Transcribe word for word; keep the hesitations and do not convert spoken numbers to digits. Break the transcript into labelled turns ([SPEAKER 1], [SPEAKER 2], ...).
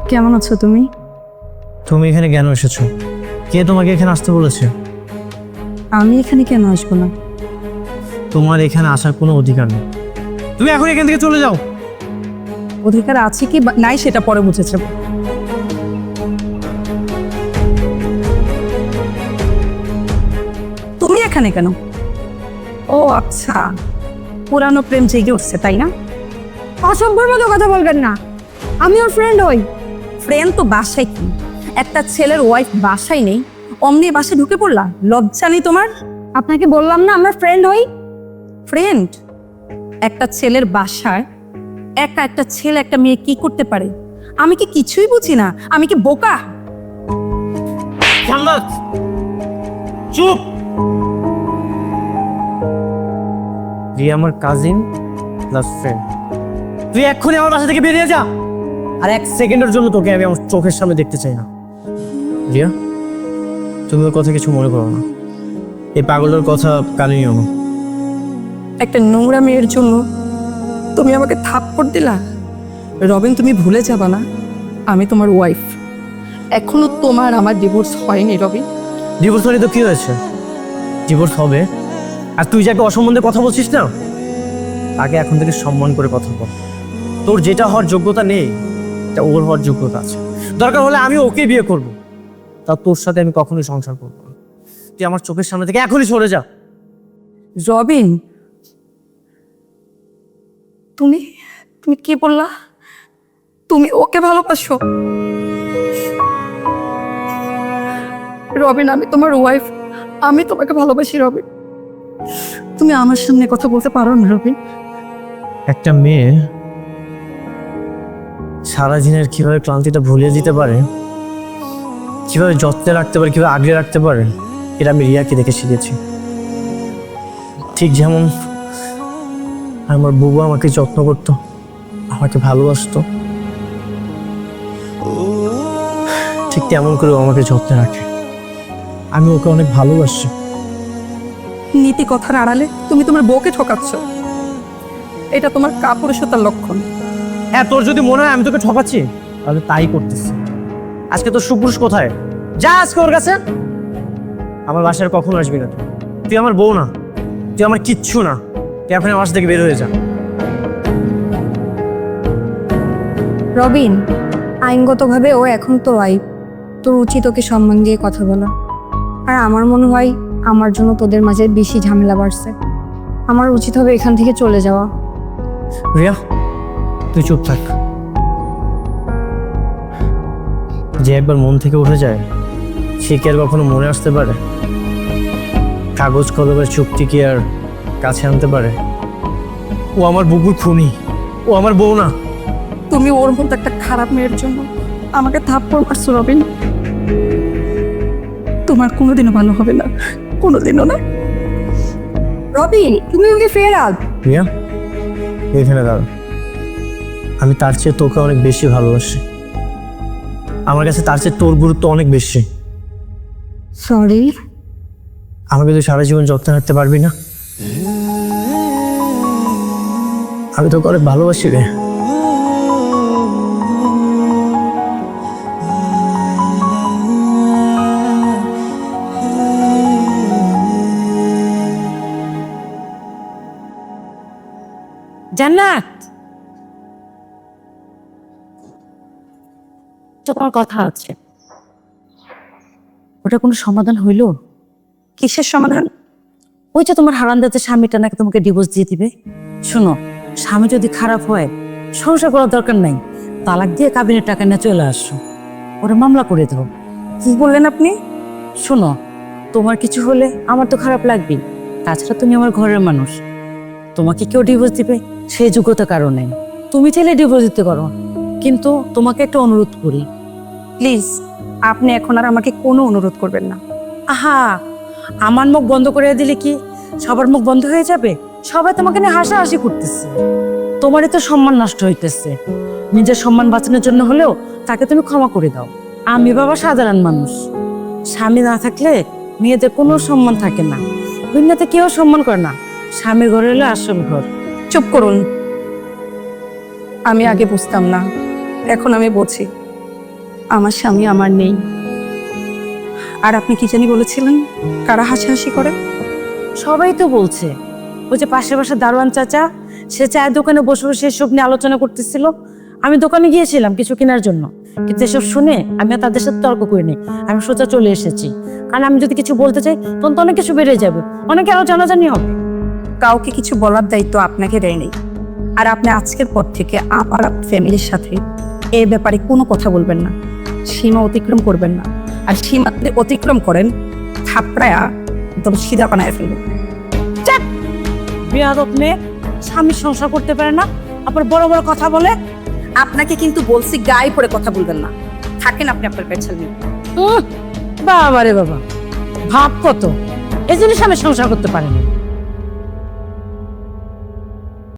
[SPEAKER 1] কেমন আছো তুমি?
[SPEAKER 2] তুমি এখানে কেন এসেছো? কে তোমাকে এখানে আসতে বলেছে?
[SPEAKER 1] আমি এখানে কেন আসবো না?
[SPEAKER 2] তোমার এখানে আসার কোনো অধিকার নেই। তুমি এখন এখান থেকে চলে যাও।
[SPEAKER 1] অধিকার আছে কি বা- নাই সেটা পরে বুঝেছে। তুমি এখানে কেন? ও আচ্ছা, পুরানো প্রেম জেগে উঠছে তাই না?
[SPEAKER 3] অসভ্যর মতো কথা বলবেন না, আমি ওর ফ্রেন্ড হই।
[SPEAKER 1] ফ্রেন্ড তো বাসায় কি? একটা ছেলের ওয়াইফ বাসায় নেই, অমনি বাসায় ঢুকে পড়লা? লজ্জা নেই তোমার?
[SPEAKER 3] আপনাকে বললাম না আমরা ফ্রেন্ড হই।
[SPEAKER 1] ফ্রেন্ড? একটা ছেলের বাসায় একা একটা ছেলে একটা মেয়ে কি করতে পারে? আমি কি কিছুই বুঝি না? আমি কি বোকা?
[SPEAKER 2] জান্নাত, চুপ। রিয়া আমার কাজিন প্লাস ফ্রেন্ড। তুই এক্ষুনি আমার বাসা থেকে বেরিয়ে যা। আর এক সেকেন্ডের জন্য তোকে আমি আমার চোখের সামনে দেখতে চাই না। রিয়া, তুমি ওর কথা কিছু মনে করো না। এই পাগলের কথা কানে নিও না।
[SPEAKER 1] একটা নোংরা মেয়ের জন্য তুমি আমাকে থাপ্পড় দিলা? রবিন, তুমি ভুলে যাবা না আমি তোমার ওয়াইফ। এখনো তোমার আমার ডিভোর্স হয়নি রবিন।
[SPEAKER 2] ডিভোর্স হলে তো কি হয়েছে? ডিভোর্স হবে। আর তুই যাকে অসম্বন্ধে কথা বলছিস না, তাকে এখন থেকে সম্মান করে কথা বল। তোর যেটা হওয়ার যোগ্যতা নেই, এটা ওর হওয়ার যোগ্যতা আছে। দরকার হলে আমি ওকে বিয়ে করব, তা তোর সাথে আমি কখনোই সংসার করবো না। তুই আমার চোখের সামনে থেকে এখনই সরে যা।
[SPEAKER 1] রবিন, তুমি তুমি কি বললা? তুমি ওকে ভালোবাসো? রবিন, আমি তোমার ওয়াইফ, আমি তোমাকে ভালোবাসি রবিন। তুমি আমার সামনে কথা বলতে পারো না রবিন?
[SPEAKER 2] একটা মেয়ে সারা দিনের কিভাবে ক্লান্তিটা ভুলিয়ে দিতে পারে, কিভাবে যত্নে রাখতে পারে, কিভাবে আগলে রাখতে পারে, এটা আমি রিয়াকে দেখে শিখেছি। ঠিক যেমন আমার বুবু আমাকে যত্ন করতো, আমাকে ভালোবাসতো, ঠিক তেমন করে ও আমাকে যত্নে রাখে। আমি ওকে অনেক ভালোবাসি।
[SPEAKER 1] নীতি কথার আড়ালে তুমি তোমার বউকে ঠকাচ্ছ। এটা তোমার কাপুরুষতার লক্ষণ।
[SPEAKER 2] হ্যাঁ, তোর যদি মনে হয় আমি তোকে ঠকাচ্ছি, তাহলে তাই করতেছি। আজকে তোর সুপুরুষ কোথায়? যা আজকে ওর কাছে। আমার বাসায় কখনো আসবি না তুই। তুই আমার বউ না, তুই আমার কিচ্ছু না। তুই এখন আমার বাসা থেকে বের হয়ে যা।
[SPEAKER 3] রবিন, আইনগতভাবে ও এখন তো ওয়াইফ, তোর উচিত ওকে সম্মান দিয়ে কথা বলা। আর আমার মনে হয় আমার জন্য তোদের মাঝে বেশি ঝামেলা বাড়ছে। আমার উচিত হবে এখান থেকে চলে যাওয়া।
[SPEAKER 2] রিয়া, তুই চুপ থাক। যে একবার মন থেকে উঠে যায়, সে কি আর কখনো মনে আসতে পারে? কাগজ কলমের চুক্তি কি আর কাছে আনতে পারে? ও আমার বুকুর খুনি, ও আমার বউ না।
[SPEAKER 1] তুমি ওর মতো একটা খারাপ মেয়ের জন্য আমাকে থাপ্পড় মারছো রবিন। তোমার কোনোদিনও ভালো হবে না, কোনোদিনও না।
[SPEAKER 3] রবিন, তুমি ওকে ফেরাল।
[SPEAKER 2] রিয়া, এখানে দাঁড়া। আমি তার চেয়ে তোকে অনেক বেশি ভালোবাসি। আমার কাছে তার চেয়ে তোর গুরুত্ব অনেক বেশি।
[SPEAKER 3] সরি।
[SPEAKER 2] আমাকে তুই সারা জীবন যত্ন রাখতে পারবি না? আমি তোকে অনেক ভালোবাসি রে।
[SPEAKER 4] জান্নাত, তোমার কথা আছে, ওটা কোনো সমাধান হইল?
[SPEAKER 1] কিসের সমাধান?
[SPEAKER 4] ওই যে তোমার হারান্দাতে স্বামীটা নাকি তোমাকে ডিভোর্স দিয়ে দিবে। শোনো, স্বামী যদি খারাপ হয় সংসার করার দরকার নাই, তালাক দিয়ে কাবিনের টাকা নিয়ে চলে আসো, ওরা মামলা করে দাও।
[SPEAKER 1] কি বললেন আপনি?
[SPEAKER 4] শোনো, তোমার কিছু হলে আমার তো খারাপ লাগবেই, তাছাড়া তুমি আমার ঘরের মানুষ। তোমাকে কেউ ডিভোর্স দিবে সেই যোগ্যতা কারণে তুমি চাইলে ডিভোর্স দিতে পারো, কিন্তু তোমাকে একটা অনুরোধ করি।
[SPEAKER 1] প্লিজ, আপনি এখন আর আমাকে কোনো অনুরোধ করবেন না।
[SPEAKER 4] আহা, আমার মুখ বন্ধ করে দিলে কি সবার মুখ বন্ধ হয়ে যাবে? সবাই তোমাকে নিয়ে হাসাহাসি করতেছে, তোমারই তো সম্মান নষ্ট হইতেছে। নিজের সম্মান বাঁচানোর জন্য হলেও তাকে তুমি ক্ষমা করে দাও। আমি বাবা সাধারণ মানুষ, স্বামী না থাকলে মেয়েদের কোনো সম্মান থাকে না, দুনিয়াতে কেউ সম্মান করে না। স্বামীর ঘর হলো আসল ঘর।
[SPEAKER 1] চুপ করুন। আমি আগে বুঝতাম না, এখন আমি বুঝি। আমার স্বামী আমার নেই। আর আপনি কি জানি বলেছিলেন কারা হাসাহাসি করে?
[SPEAKER 4] সবাই তো বলছে, ওই যে পাশে পাশে দারোয়ান চাচা, সে চায়ের দোকানে বসে বসে এসব নিয়ে আলোচনা করতেছিল। আমি দোকানে গিয়েছিলাম কিছু কেনার জন্য, কিন্তু এসব শুনে আমি আর তাদের সাথে তর্ক করিনি, আমি সোজা চলে এসেছি। কারণ আমি যদি কিছু বলতে চাই তখন তো অনেক কিছু বেড়ে যাবে, অনেকে আরো জানাজানি হবে।
[SPEAKER 1] কাউকে কিছু বলার দায়িত্ব আপনাকে দেয়নি। আর আপনি আজকের পর থেকে আমার ফ্যামিলির সাথে এ ব্যাপারে কোনো কথা বলবেন না, সীমা অতিক্রম করবেন না। আর সীমা যদি অতিক্রম করেন, থাপড়ায়া একদম সিধা বানায় ফেলবেন।
[SPEAKER 4] বেয়াদব মেয়ে, স্বামীর সংসার করতে পারে না, আবার বড় বড় কথা বলে।
[SPEAKER 1] আপনাকে কিন্তু বলছি গায়ে পড়ে কথা বলবেন না। থাকেন আপনি আপনার পেছাল নিয়ে।
[SPEAKER 4] উহ, বাবা রে বাবা, ভাব কত, এই জন্য স্বামীর সংসার করতে পারেনি।